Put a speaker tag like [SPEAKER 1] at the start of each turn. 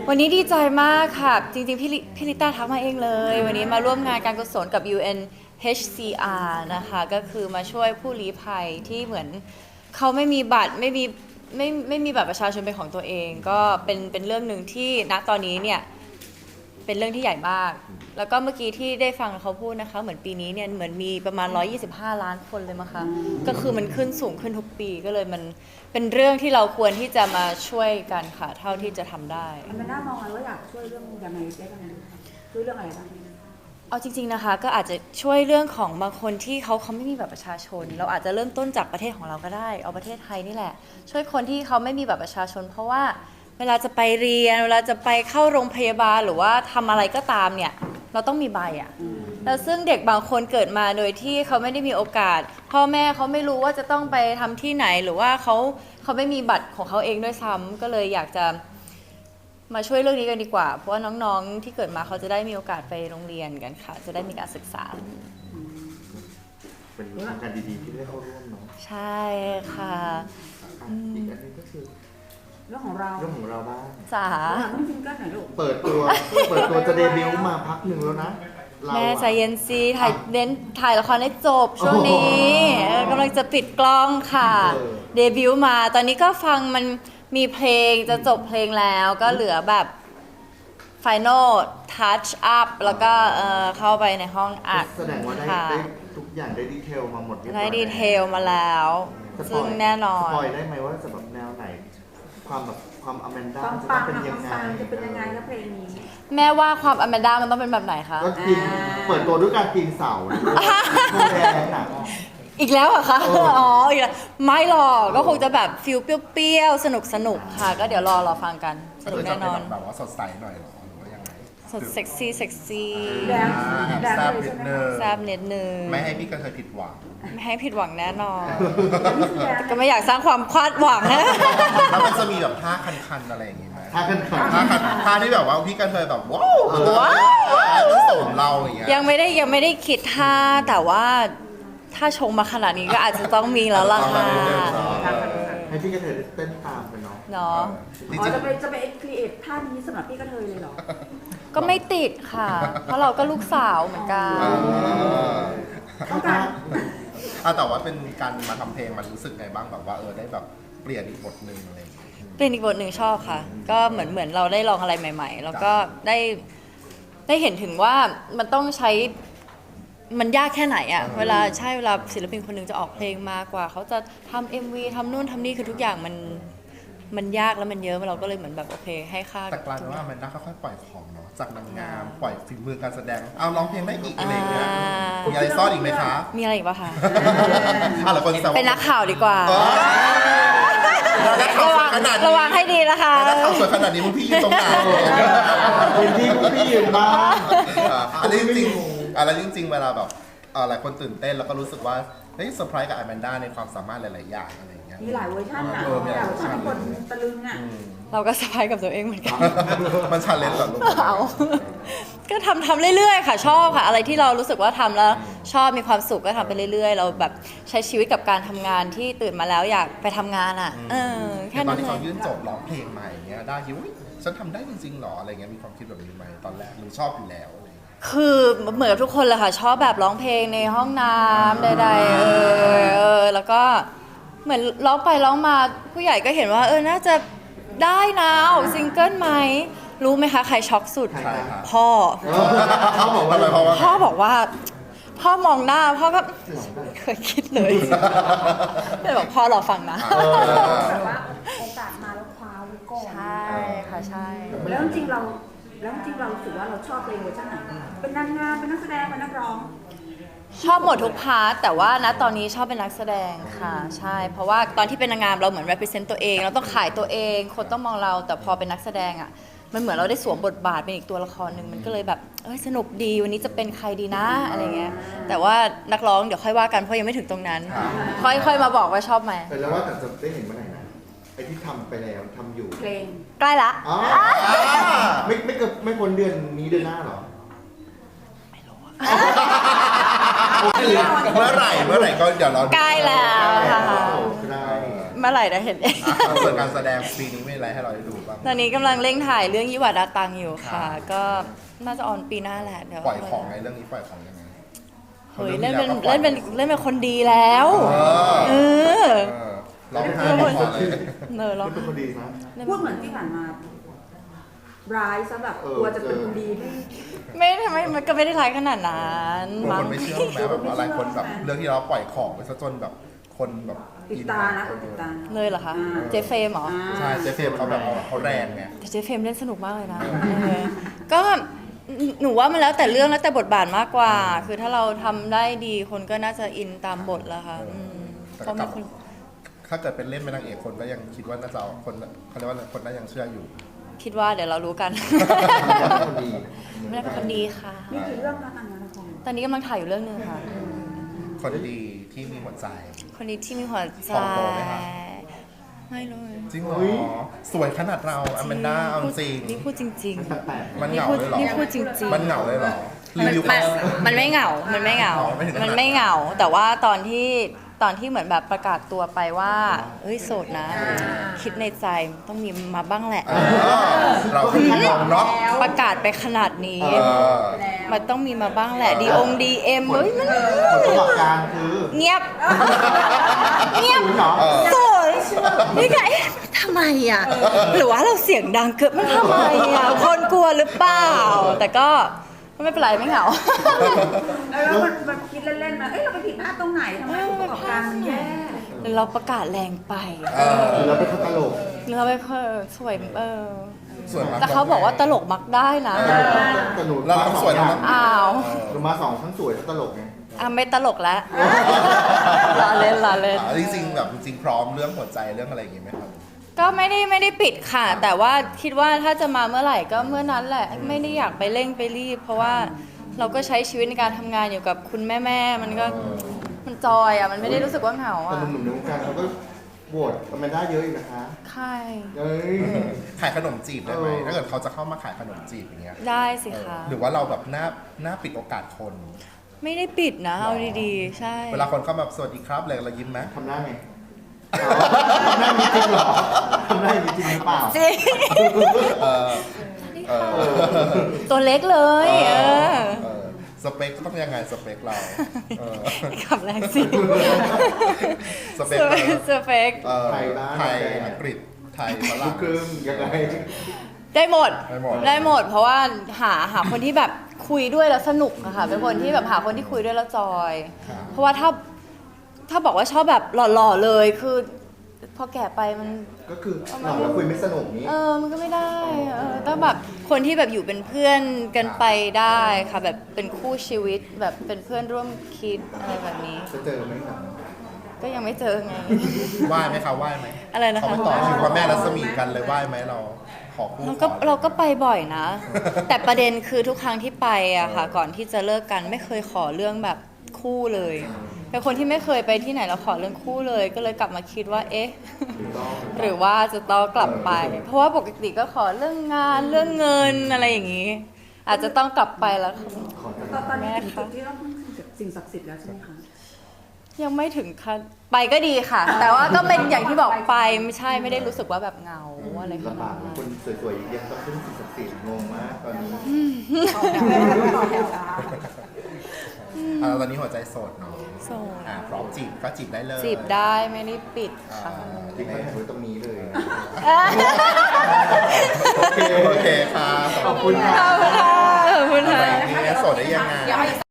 [SPEAKER 1] วันนี้ดีใจมากค่ะจริงๆพี่ลิต้าทักมาเองเลยวันนี้มาร่วมงานการกุศลกับ UNHCR นะคะก็คือมาช่วยผู้ลี้ภัยที่เหมือนเขาไม่มีบัตรไม่มีบัตรประชาชนเป็นของตัวเองก็เป็นเรื่องหนึ่งที่ณตอนนี้เนี่ยเป็นเรื่องที่ใหญ่มากแล้วก็เมื่อกี้ที่ได้ฟังเขาพูดนะคะเหมือนปีนี้เนี่ยเหมือนมีประมาณ125 ล้านคนเลยมั้งคะก็คือมันขึ้นสูงขึ้นทุกปีก็เลยมันเป็นเรื่องที่เราควรที่จะมาช่วยกันค่ะเท่าที่จะทำได้
[SPEAKER 2] มันน่ามองว่าอยากช่วยเรื่องยังไงได้บ้างช่วยเรื่องอะไรบ้าง
[SPEAKER 1] เอาจริงๆนะคะก็อาจจะช่วยเรื่องของบางคนที่เขาไม่มีบัตรประชาชนเราอาจจะเริ่มต้นจากประเทศของเราก็ได้เอาประเทศไทยนี่แหละช่วยคนที่เขาไม่มีบัตรประชาชนเพราะว่าเวลาจะไปเรียนเวลาจะไปเข้าโรงพยาบาลหรือว่าทำอะไรก็ตามเนี่ยเราต้องมีใบอ่ะแล้วซึ่งเด็กบางคนเกิดมาโดยที่เขาไม่ได้มีโอกาสพ่อแม่เขาไม่รู้ว่าจะต้องไปทำที่ไหนหรือว่าเขาไม่มีบัตรของเขาเองด้วยซ้ำก็เลยอยากจะมาช่วยเรื่องนี้กันดีกว่าเพราะว่าน้องๆที่เกิดมาเขาจะได้มีโอกาสไปโรงเรียนกันค่ะจะได้มีการศึกษา
[SPEAKER 3] เป็นโครงการดีๆที่ได้เข้าร่วมเนาะ
[SPEAKER 1] ใช่ค่ะ
[SPEAKER 3] อีกอันนึงก็คือ
[SPEAKER 2] เรื่องของเรา
[SPEAKER 3] บ้าง
[SPEAKER 1] จ๋า
[SPEAKER 2] ต้องซิงเกิลหน่อยลูก
[SPEAKER 3] เปิดตัวจะเดบิวต์มาพักหนึ่งแล้วนะ
[SPEAKER 1] แม่ใจเย็นซีถ่ายละครให้จบช่วงนี้กำลังจะปิดกล้องค่ะเดบิวต์มาตอนนี้ก็ฟังมันมีเพลงจะจบเพลงแล้วก็เหลือแบบ Final Touch Up แล้วก็เข้าไปในห้องอัด
[SPEAKER 3] แสดงว่าได้ทุกอย่างได้ดีเทลมาหมด
[SPEAKER 1] ได้ดีเทลมาแล้วซึ่งแน่นอน
[SPEAKER 3] สปอยได้ไหมว่าจะแบบแนวไหนความอแมนด้าจะเป็นยังไง
[SPEAKER 2] แล้วเพลงนี้
[SPEAKER 1] แม่ว่าความอแมนด้ามันต้องเป็นแบบไหนคะ
[SPEAKER 3] ก็กินเปิดตัวด้วยการกินเสาโมแดงน่ะ
[SPEAKER 1] อีกแล้วเหรอคะอ๋ออีกแล้วไม่หรอกก็คงจะแบบฟิลเปรี้ยวๆสนุกค่ะก็เดี๋ยวรอฟังกันสนุกแน่นอน
[SPEAKER 4] แบบว่าสดใสหน่อยหรอหรือว่ายังไง
[SPEAKER 1] สดเซ็กซี่
[SPEAKER 4] แซ่บนิดนึง
[SPEAKER 1] แซ่บนิดนึง
[SPEAKER 4] ไม่ให้พี่กระเทยผิดหวัง
[SPEAKER 1] ไม่ให้ผิดหวังแน่นอนก็ไม่อยากสร้างความคาดหวังนะ
[SPEAKER 4] แล้วมันจะมีแบบท่าคันๆอะไรอย่างงี้ไหม
[SPEAKER 3] ท่าคัน
[SPEAKER 4] ท่าที่แบบว่าพี่กระเทยแบบว้าวสมเราอย่างเงี้ย
[SPEAKER 1] ยังไม่ได้คิดท่าแต่ว่าถ้าชงมาขนาดนี้ก็อาจจะต้องมีแล้วล่ะค่ะ
[SPEAKER 3] ให้พี่กระเทยเต้นตามกัน
[SPEAKER 1] เนาะ
[SPEAKER 2] จะไปครีเอทท่านี้สำหรับพี่กระเทยเลยเหรอ
[SPEAKER 1] ก็ไม่ติดค่ะเพราะเราก็ลูกสาวเหมือนกัน
[SPEAKER 4] แต่ว่าเป็นการมาทำเพลงมันรู้สึกไงบ้างแบบว่าได้แบบเปลี่ยนอีกบทหนึ่งอะไร
[SPEAKER 1] เปลี่ยนอีกบทหนึ่งชอบค่ะก็เหมือนเราได้ลองอะไรใหม่ๆแล้วก็ได้เห็นถึงว่ามันต้องใช้มันยากแค่ไหนอะเวลาศิลปินคนหนึ่งจะออกเพลงมากว่าเขาจะทำ MV ทำนู่นทำนี่คือทุกอย่างมันยากแล้วมันเยอะเราก็เลยเหมือนแบบโอเคให้ค่า
[SPEAKER 4] แต่กลายเป็นว่ามันน่าค่อยๆปล่อยของเนาะจากนางงามปล่อยฝีมือการแสดงเอาร้องเพลงได้อีกอะไรเงี้ยมีอะไรซ่อนอีกไหมคะ
[SPEAKER 1] มีอะไรอีกป่ะคะ
[SPEAKER 4] เป็น
[SPEAKER 1] นักข่าวดีกว่าระวังให้ดีนะคะ
[SPEAKER 4] นักข่าวสวยขนาดนี้พวกพี่ยืนตรงไหน
[SPEAKER 3] เป็นที่พวกพี่ยืนบ้าง
[SPEAKER 4] อันนี้จริงเวลาแบบหลายคนตื่นเต้นแล้วก็รู้สึกว่าเฮ้ยเซอร์ไพรส์กับอแมนด้าในความสามารถหลายๆอย่างอะไรอย่างเงี้ย
[SPEAKER 2] มีหลายเวอร์ชันนะมีหลายเวอร์ชันคนตะลึงอ่ะ
[SPEAKER 1] เราก็เซอร์ไพรส์กับตัวเองเหมือนกัน
[SPEAKER 4] มันชันเลนส์เหรอลูก
[SPEAKER 1] ก็ทำเรื่อยๆค่ะชอบค่ะอะไรที่เรารู้สึกว่าทำแล้วชอบมีความสุขก็ทำไปเรื่อยๆเราแบบใช้ชีวิตกับการทำงานที่ตื่นมาแล้วอยากไปทำงานอ่ะ
[SPEAKER 4] แค่นั้นเลยตอนที่เขายื่นจบร้องเพลงใหม่อย่างเงี้ยได้ยิ้วฉันทำได้จริงๆหรออะไรเงี้ยมีความคิดแบบนี้ไหมตอนแรกหรือชอบอยู่แล้ว
[SPEAKER 1] คือเหมือนกับทุกคนเลยค่ะชอบแบบร้องเพลงในห้องน้ำใดๆแล้วก็เหมือนร้องไปร้องมาผู้ใหญ่ก็เห็นว่าน่าจะได้นะออกซิงเกิลไหมรู้ไหมคะใครช็อกสุดพ่อ
[SPEAKER 3] บอกว่า
[SPEAKER 1] พ่อมองหน้าพ่อก็ไม่เคยคิดเลยเลยบอกพ่อรอฟังนะ
[SPEAKER 2] แบบว่าโอกาสมาแล้วคว้าไว้ก่อน
[SPEAKER 1] ใช่ค่ะใช่
[SPEAKER 2] แล้วจริงเรารู้สึกว่าเราชอบเพลงเวอร์ชันไหนเป็นนางงามเป็นนักแสดงเป็นนักร้อง
[SPEAKER 1] ชอบหมดทุกพาร์ทแต่ว่าณตอนนี้ชอบเป็นนักแสดงค่ะใช่เพราะว่าตอนที่เป็นนางงามเราเหมือน represent ตัวเองเราต้องขายตัวเองคนต้องมองเราแต่พอเป็นนักแสดงอ่ะมันเหมือนเราได้สวมบทบาทเป็นอีกตัวละครหนึ่งมันก็เลยแบบสนุกดีวันนี้จะเป็นใครดีนะอะไรเงี้ยแต่ว่านักร้องเดี๋ยวค่อยว่ากันเพราะยังไม่ถึงตรงนั้นค่อยมาบอกว่าชอบไหม
[SPEAKER 3] แต่แล้วว่าแต่จะได้เห็นเมื่อไหร่นะไอ้ที่ทำไปแล้วทำอยู่
[SPEAKER 2] เพลง
[SPEAKER 1] ใกล้ละ
[SPEAKER 3] ไม่พ้นเดือนนี้เดือนหน้าหรอ
[SPEAKER 4] เมื่อไหร่ก็เดี๋ยวเรา
[SPEAKER 1] ใกล้แล้วค่ะเมื่อไหร่จะเห็นเอง
[SPEAKER 4] ส่วนการแสดงปีนี้มีอะไรให้เราได้ดูบ้าง
[SPEAKER 1] ตอนนี้กำลังเร่งถ่ายเรื่องยี่หวาดาตังอยู่ค่ะ
[SPEAKER 4] ครับ
[SPEAKER 1] ก็น่าจะออนปีหน้าแหละเดี๋ยว
[SPEAKER 4] ปล่อยของในเรื่องนี้ปล่อยของยังไง
[SPEAKER 1] เฮ้ยเล่นเป็นคนดีแล้ว เออ
[SPEAKER 4] เราไม่ให้พอเลย
[SPEAKER 1] เนอเรา
[SPEAKER 3] มันเป็นคนดีนะ
[SPEAKER 2] พูดเหมือนที่ผ่านมาร้ายซะแบบกลัวจะเป็นคนดีไม่
[SPEAKER 1] ไม่มันก็ไม่ได้ร้ายขนาดนั้น
[SPEAKER 4] บาง
[SPEAKER 1] มั้
[SPEAKER 4] ค
[SPEAKER 1] ง
[SPEAKER 4] นไม่เชื่อไหมแบบอะไรคนแบบเรื่องที่เราปล่อยของไปซะจนแบบคนแบบ
[SPEAKER 2] ปิดตานะปิดตา
[SPEAKER 1] เลยเหรอคะ เจฟเฟรมเหรอ
[SPEAKER 4] ใช่เจฟเฟรมเขาแบบเขาแรงไง
[SPEAKER 1] แต่เจฟเฟรมเล่นสนุกมากเลยนะก็หนูว่ามันแล้วแต่เรื่องแล้วแต่บทบาทมากกว่า คือถ้าเราทำได้ดีคนก็น่าจะอินตามบทแล้วค่ะเพราะมีคน
[SPEAKER 4] ถ้าเกิดเป็นเล่นเป็นนางเอกคนก็ยังคิดว่าน่าจะเอาคนเขาเรียกว่าคนน่ายังเชื่ออยู่
[SPEAKER 1] คิดว่าเดี๋ยวเรารู้กัน
[SPEAKER 3] คนดี
[SPEAKER 1] ไม่ได้เป็นคนดีค่ะ
[SPEAKER 2] มีกี่เรื่องนะทางงานละคร
[SPEAKER 1] ตอนนี้กำลังถ่ายอยู่เรื่องหนึงค่ะ
[SPEAKER 4] คนดีที่มีหัวใจ
[SPEAKER 1] คนนี้ที่มีหัวใจ
[SPEAKER 4] ของโตไหมคะ
[SPEAKER 1] ไม่เลย
[SPEAKER 4] จริงเหรอสวยขนาดเราอแมนด้าเอาจริง
[SPEAKER 1] นี่พูดจริง
[SPEAKER 3] แปลก
[SPEAKER 4] มัน
[SPEAKER 1] ๆ
[SPEAKER 4] เหงาเลยเหรอ
[SPEAKER 1] นี่พูดจริงๆ
[SPEAKER 4] มันเหงาเลยเหรอรีวิว
[SPEAKER 1] มันไม่เหงา มันไม่เหงา
[SPEAKER 4] อ๋อไม่ถึงขนาด
[SPEAKER 1] มันไม่เหงา แต่ว่าตอนที่เหมือนแบบประกาศตัวไปว่าเฮ้ยโสดนะ คิดในใจต้องมีมาบ้างแหละ
[SPEAKER 4] เราคือมองเนาะ
[SPEAKER 1] ประกาศไปขนาดนี้
[SPEAKER 4] เออ
[SPEAKER 1] มันต้องมีมาบ้างแหละดีเอ็มเฮ้ยมัน
[SPEAKER 3] ผลประกอบการคือ
[SPEAKER 1] เงียบ เงียบ
[SPEAKER 3] คุณเหรอ
[SPEAKER 1] โสดนี่ไงเอ๊ะทำไมอ่ะ หรือว่าเราเสียงดังเกินมันทำไมอ่ะ คนกลัวหรือเปล่า แต่ก็ไม่เป็นไรไม่เหงา
[SPEAKER 2] แล้วมันคิดเล่นๆมาเราไปผิดพลาดตรงไหนทำไมผลประกอบการมันแย่
[SPEAKER 1] หรือเราประกาศแรงไป
[SPEAKER 3] คือเราเป็นคนตลก
[SPEAKER 1] หรือเราไปสวย
[SPEAKER 4] ส่วนมาก
[SPEAKER 1] แต่เขาบอกว่าตลกมักได้นะ
[SPEAKER 3] แต่หนู
[SPEAKER 4] เราต้องสวยนะ
[SPEAKER 1] อ้าว
[SPEAKER 3] หนูมาสองทั้งสวยทั้งตลกไง
[SPEAKER 1] อ่ะไม่ตลกแล้วล้อเล่น
[SPEAKER 4] จริงๆแบบจริงๆพร้อมเรื่องหัวใจเรื่องอะไรอย่างงี้ไหมครับ
[SPEAKER 1] ก็ไม่ได้ปิดค่ะ แต่ว่าคิดว่าถ้าจะมาเมื่อไหร่ก็เมื่อนั้นแหละ ไม่ได้อยากไปเร่งไปรีบ เพราะว่าเราก็ใช้ชีวิตในการทำงานอยู่กับคุณแม่มันก็มันจอยอ่ะมันไม่ได้รู้สึกว่าเหงา
[SPEAKER 3] แต่
[SPEAKER 1] อ่ะ
[SPEAKER 3] หนุ่มๆในวงการเขาก็โหวตอแมนด้าเยอะอีกนะคะ
[SPEAKER 1] ใช่
[SPEAKER 3] เอ้ย
[SPEAKER 4] ขายขนมจีบได้ไหมถ้าเกิดเขาจะเข้ามาขายขนมจีบอย่างเงี้ย
[SPEAKER 1] ได้สิคะ
[SPEAKER 4] หรือว่าเราแบบหน้าปิดโอกาสคน
[SPEAKER 1] ไม่ได้ปิดนะเอาดีๆ ใช่
[SPEAKER 4] เวลาคนเข้ามาสวัสดีครับอะไรเรายิ้มไหม
[SPEAKER 3] ทำหน้าไงทำหน้ามีจริงเหรอทำหน้ามีจริงหรือเปล่า
[SPEAKER 1] จริง
[SPEAKER 4] เออเออ
[SPEAKER 1] ตัวเล็กเลยเออ
[SPEAKER 4] เออสเปคต้องยังไงสเปคเราเออ
[SPEAKER 1] ขับแรงสิ
[SPEAKER 4] สเปคเรา
[SPEAKER 1] สเปค
[SPEAKER 4] เออ
[SPEAKER 3] ไทยบ้าง
[SPEAKER 4] ไทยอังกฤษไทยฝ
[SPEAKER 3] ลู
[SPEAKER 4] รั่ง
[SPEAKER 3] กครึ่งยังไง
[SPEAKER 1] ได้หมด
[SPEAKER 4] ได้หมด
[SPEAKER 1] ได้หมด เพราะว่าหาคนที่แบบคุยด้วยแล้วสนุกอะค่ะเป็นคนที่แบบหาคนที่คุยด้วยแล้วจอย เพราะว่าถ้าบอกว่าชอบแบบหล่อๆเลยคือ พอแก่ไปมัน
[SPEAKER 3] ก็คือหลังแล้วคุยไม่สนุกนี้
[SPEAKER 1] มันก็ไม่ได้ต้องแบบคนที่แบบอยู่เป็นเพื่อนกันไปได้ค่ะ แบบเป็นคู่ชีวิตแบบเป็นเพื่อนร่วมคิดอะไรแบบนี้
[SPEAKER 3] จะเจอไหมครับ
[SPEAKER 1] ก็ยังไม่เจอไง
[SPEAKER 4] ไหว้ไหมคะไหว้ไหม
[SPEAKER 1] อะไรนะคะ
[SPEAKER 4] เขาไปต่อคิวพระแม่รัศมีกันเลยไหว้ไหมเราขอคู่
[SPEAKER 1] เราก็ไปบ่อยนะ แต่ประเด็นคือทุกครั้งที่ไปอะค่ะ ก่อนที่จะเลิกกันไม่เคยขอเรื่องแบบคู่เลยเป็นคนที่ไม่เคยไปที่ไหนแล้วขอเรื่องคู่เลย ก็เลยกลับมาคิดว่าเอ๊ะ หรือว่าจะต้องกลับไป เพราะว่าปกติก็ขอเรื่องงานเรื่องเงินอะไรอย่างนี้ อาจจะต้องกลับไปแล้ว
[SPEAKER 2] ตอนนี้ถึงจุดที่เราพึ่งสิ่งศักดิ์สิทธิ์แล้วใช่ไหมคะ
[SPEAKER 1] ยังไม่ถึงขั้นไปก็ดีค่ะ แต่ว่าก็เป็นอย่างที่บอกไปไม่ได้รู้สึกว่าแบบเหงาอะไรข
[SPEAKER 3] ลำ
[SPEAKER 1] นา
[SPEAKER 3] บา
[SPEAKER 1] ด
[SPEAKER 3] ก
[SPEAKER 1] นั้น
[SPEAKER 3] คนสวยๆยังต้องพึ่งสิ่งศักดิ์สิทธิ์งงมากตอนนี้
[SPEAKER 4] ตอนนี้หัวใจโสดเนาะ
[SPEAKER 1] โสด
[SPEAKER 4] พร้อมจีบก็จีบได้เลย
[SPEAKER 1] จีบได้ไม่ได้ปิดค่ะ
[SPEAKER 3] ที่ให้ไว้ตรงนี้เลย
[SPEAKER 4] โอเคค่ะ
[SPEAKER 3] ขอบคุณค่ะ
[SPEAKER 1] ขอบคุณค่ะ
[SPEAKER 4] อะไรอย่างนี้โสดได้ยังไง